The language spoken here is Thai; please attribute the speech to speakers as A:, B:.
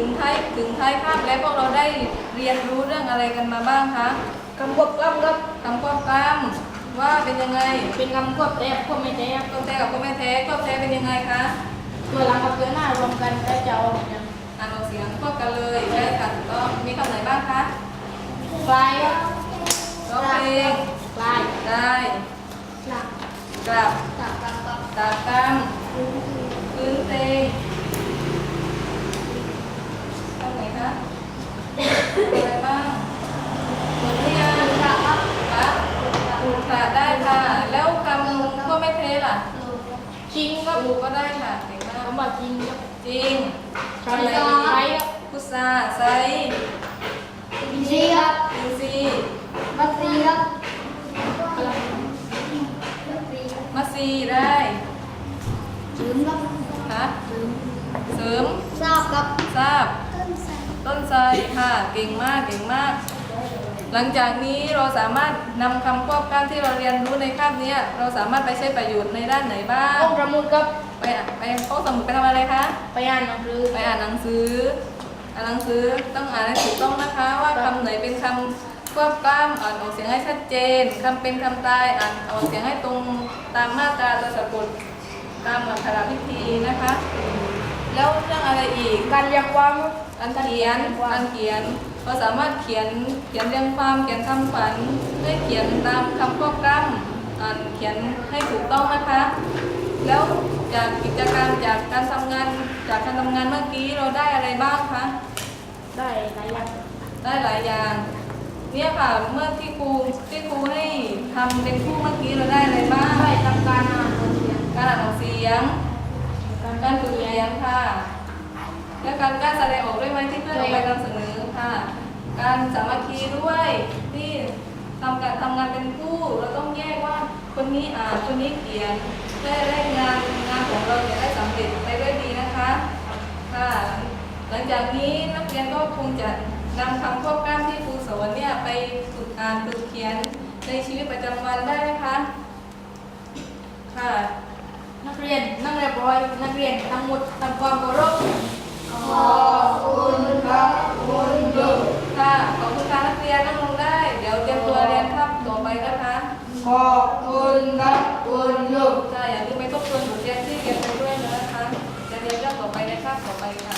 A: ถึงท้ายคาบแล้วพวกเราได้เรียนรู้เรื่องอะไรกันมาบ้างคะ
B: คำควบกล้ำครับ
A: คำควบกล้ำว่าเป็นยังไง
B: เป็นคำควบแท้ควบไม่แท้
A: ควบแท้กับควบไม่แท้ควบแท้เป็นยังไงคะ
B: ตัวหลังกับตัวหน้ารวมกันแล้วจะเอาอย่าง
A: อ่านออกเสียงควบกันเลยได้ค่ะก็มีคำไหนบ้างคะ
B: คลายครับ
A: ร้องเพลง
B: คลาย
A: ได้
B: หลัก
A: กลับ
B: ตักกำกับ
A: ตากำพื้นเตงคำไหนคะอะไรบ้างหมดหรือยัง
B: ครับ
A: คะถูกค่ะได้ค่ะแล้วคำก็ไม่เทล่ะ
B: จริงครับ
A: ถูกก็ได้ค่ะเก่งมาก
B: คำว่าจริงครับ
A: จริง
B: คำไหนใช้ครับ
A: พุทราไซ
B: อินทรีย์ครับ
A: อินซี
B: มัตซีครับ
A: มัสซีได้
B: เสริมครับ
A: คะเสริม
B: ทราบครับ
A: ทราบต้นไทรค่ะเก่งมากเก่งมากหลังจากนี้เราสามารถนำคำควบกล้ำที่เราเรียนรู้ในคาบนี้เราสามารถไปใช้ประโยชน์ในด้านไหนบ้าง
B: ห้องสมุดครับ
A: ไปห้องสมุดไปทำอะไรคะ
B: ไปอ่านหนังสือ
A: ไปอ่านหนังสือต้องอ่านให้ถูกต้องนะคะว่าคำไหนเป็นคำควบกล้ำอ่านออกเสียงให้ชัดเจนคำเป็นคำตายอ่านออกเสียงให้ตรงตามมาตราตัวสะกดตามอักขระวิธีนะคะแล้วเรื่องอะไรอีก
B: การเรียงความ
A: การเขียนเราสามารถเขียนเรียงความเขียนคำขวัญให้เขียนตามคำควบกล้ำเขียนให้ถูกต้องนะคะแล้วจากกิจกรรมจากการทำงานเมื่อกี้เราได้อะไรบ้างคะ
B: ได้หลายอย่าง
A: ได้หลายอย่างเนี่ยค่ะเมื่อที่ครูให้ทำเป็นคู่เมื่อกี้เราได้อะไรบ้าง
B: ได้ทำการอ่านออกเสียง
A: การอ่านออกเสียงการฝึกเรียนค่ะและการแสดงออกด้วยไหมที่เพื่อนเราไปนำเสนอค่ะการสามัคคีด้วยที่ทำงานเป็นคู่เราต้องแยกว่าคนนี้อ่านคนนี้เขียนเพื่อได้งานของเราจะได้สำเร็จไปด้วยดีนะคะค่ะหลังจากนี้นักเรียนก็คงจะนำคำควบกล้ำที่ครูสอนเนี่ยไปฝึกอ่านฝึกเขียนในชีวิตประจำวันได้ไหมคะค่ะ
B: นักเรียนนั่งเรียบร้อยนักเรียนทั้งหมดทำความเคารพ
A: ขอบคุณครับคุณครูค่ะขอบคุณค่ะนักเรียนนั่งลงได้เดี๋ยวเตรียมตัวเรียนครับต่อไปนะคะ
B: ขอบคุณครับคุณครู
A: ค่ะอย่าลืมไปทบทวนบทเรียนที่เรียนไปด้วยนะคะจะเรียนเรื่องต่อไปในคาบต่อไปค่ะ